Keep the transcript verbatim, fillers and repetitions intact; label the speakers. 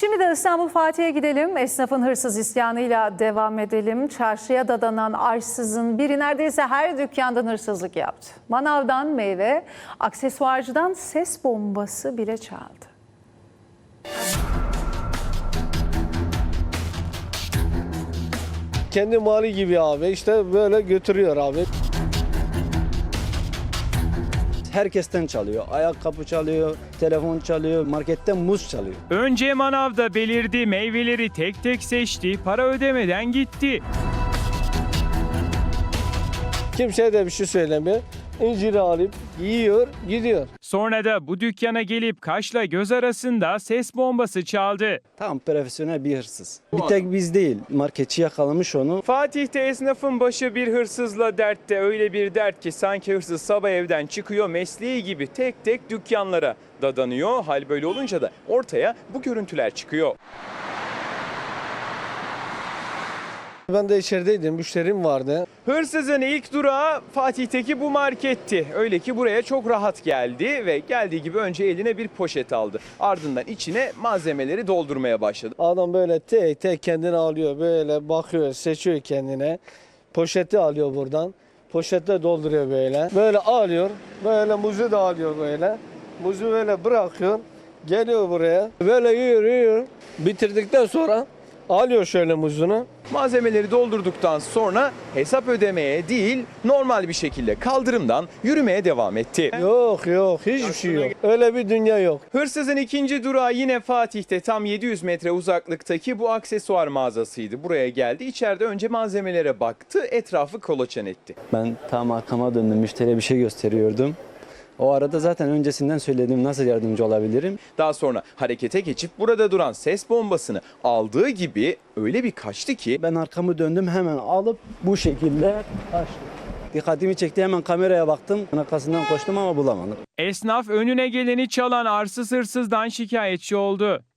Speaker 1: Şimdi de İstanbul Fatih'e gidelim. Esnafın hırsız isyanıyla devam edelim. Çarşıya dadanan arsızın biri neredeyse her dükkandan hırsızlık yaptı. Manavdan meyve, aksesuarcıdan ses bombası bile çaldı.
Speaker 2: Kendi mali gibi abi, işte böyle götürüyor abi.
Speaker 3: Herkesten çalıyor. Ayakkabı çalıyor, telefon çalıyor, marketten muz çalıyor.
Speaker 4: Önce manavda belirdi, meyveleri tek tek seçti, para ödemeden gitti.
Speaker 2: Kimseye de bir şey söylemiyor. İnciri alıp yiyor, gidiyor.
Speaker 4: Sonra da bu dükkana gelip kaşla göz arasında ses bombası çaldı.
Speaker 3: Tam profesyonel bir hırsız. Bir tek biz değil, marketçi yakalamış onu.
Speaker 4: Fatih'te esnafın başı bir hırsızla dertte, öyle bir dert ki sanki hırsız sabah evden çıkıyor, mesleği gibi tek tek dükkanlara dadanıyor. Hal böyle olunca da ortaya bu görüntüler çıkıyor.
Speaker 2: Ben de içerideydim, müşterim vardı.
Speaker 4: Hırsızın ilk durağı Fatih'teki bu marketti. Öyle ki buraya çok rahat geldi ve geldiği gibi önce eline bir poşet aldı. Ardından içine malzemeleri doldurmaya başladı.
Speaker 2: Adam böyle tek tek kendini alıyor, böyle bakıyor, seçiyor kendine. Poşeti alıyor buradan. Poşette dolduruyor böyle. Böyle alıyor, böyle muzu da alıyor böyle. Muzu böyle bırakıyor, geliyor buraya. Böyle yiyor, yiyor. Bitirdikten sonra alıyor şöyle muzunu.
Speaker 4: Malzemeleri doldurduktan sonra hesap ödemeye değil, normal bir şekilde kaldırımdan yürümeye devam etti.
Speaker 2: Yok yok, hiçbir şey yok. Öyle bir dünya yok.
Speaker 4: Hırsızın ikinci durağı yine Fatih'te, tam yedi yüz metre uzaklıktaki bu aksesuar mağazasıydı. Buraya geldi, içeride önce malzemelere baktı, etrafı kolaçan etti.
Speaker 3: Ben tam arkama döndüm, müşteriye bir şey gösteriyordum. O arada zaten öncesinden söyledim nasıl yardımcı olabilirim.
Speaker 4: Daha sonra harekete geçip burada duran ses bombasını aldığı gibi öyle bir kaçtı ki
Speaker 3: Ben arkamı döndüm, hemen alıp bu şekilde kaçtım. Dikkatimi çekti, hemen kameraya baktım. Arkasından koştum ama bulamadım.
Speaker 4: esnaf önüne geleni çalan arsız hırsızdan şikayetçi oldu.